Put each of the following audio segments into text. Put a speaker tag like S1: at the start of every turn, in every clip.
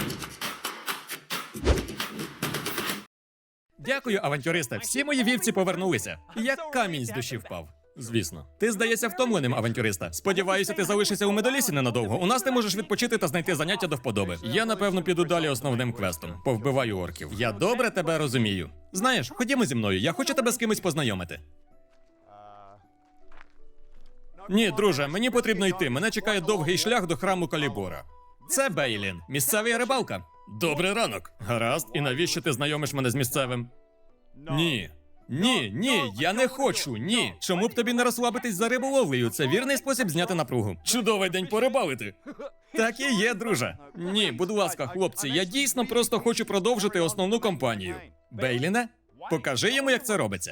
S1: Дякую, авантюристе. Всі мої вівці повернулися. Як камінь з душі впав. Звісно. Ти здаєшся втомленим, авантюриста. Сподіваюся, ти залишишся у медолісі ненадовго. У нас ти можеш відпочити та знайти заняття до вподоби. Я, напевно, піду далі основним квестом. Повбиваю орків. Я добре тебе розумію. Знаєш, ходімо зі мною, я хочу тебе з кимось познайомити. Ні, друже, мені потрібно йти. Мене чекає довгий шлях до храму Калібора. Це Бейлін, місцевий рибалка. Добрий ранок. Гаразд, і навіщо ти знайомиш мене з місцевим? Ні. Ні, я не хочу, ні. Чому б тобі не розслабитись за риболовлею? Це вірний спосіб зняти напругу. Чудовий день порибалити. Так і є, друже. Ні, будь ласка, хлопці, я дійсно просто хочу продовжити основну кампанію. Бейліне, покажи йому, як це робиться.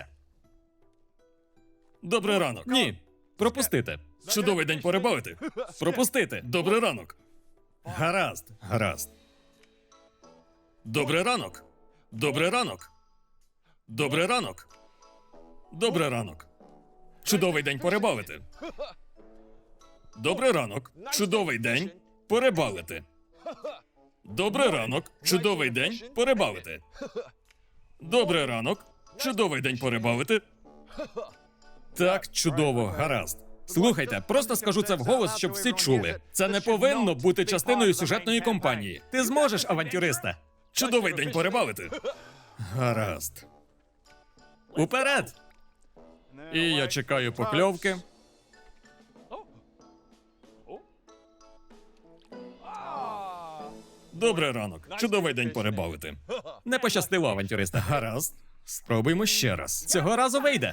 S1: Добрий ранок. Ні, пропустити. Чудовий день порибалити. Пропустити. Добрий ранок. Гаразд. Добрий ранок. Добрий ранок. Добрий ранок. Добрий ранок. Чудовий день порибалити. Добрий ранок. Чудовий день порибалити. Добрий ранок. Чудовий день порибалити. Добрий ранок. Чудовий день порибалити. Так, чудово, гаразд. Слухайте, просто скажу це вголос, щоб всі чули. Це не повинно бути частиною сюжетної кампанії. Ти зможеш, авантюриста. Чудовий день порибалити. Гаразд. Уперед! І я чекаю покльовки. Добрий ранок. Чудовий день порибалити. Не пощастило, авантюриста. Гаразд. Спробуймо ще раз. Цього разу вийде.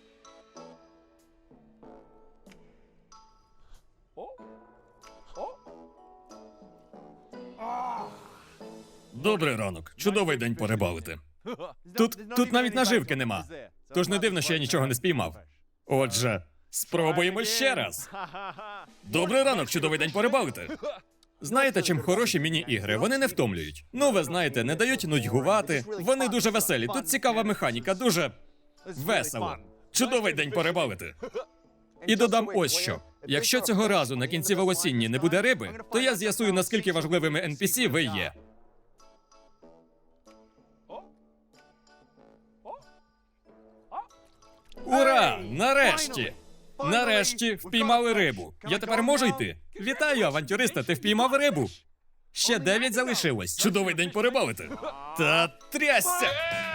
S1: Добрий ранок. Чудовий день порибалити. Тут навіть наживки нема. Тож не дивно, що я нічого не спіймав. Отже, спробуємо ще раз. Добрий ранок, чудовий день порибалити. Знаєте, чим хороші міні-ігри? Вони не втомлюють. Ну, ви знаєте, не дають нудьгувати. Вони дуже веселі. Тут цікава механіка, дуже весело. Чудовий день порибалити. І додам ось що. Якщо цього разу на кінці волосінні не буде риби, то я з'ясую, наскільки важливими NPC ви є. Ура! Нарешті! Нарешті впіймали рибу. Я тепер можу йти? Вітаю, авантюриста, ти впіймав рибу. Ще 9 залишилось. Чудовий день порибалити. Та трясся!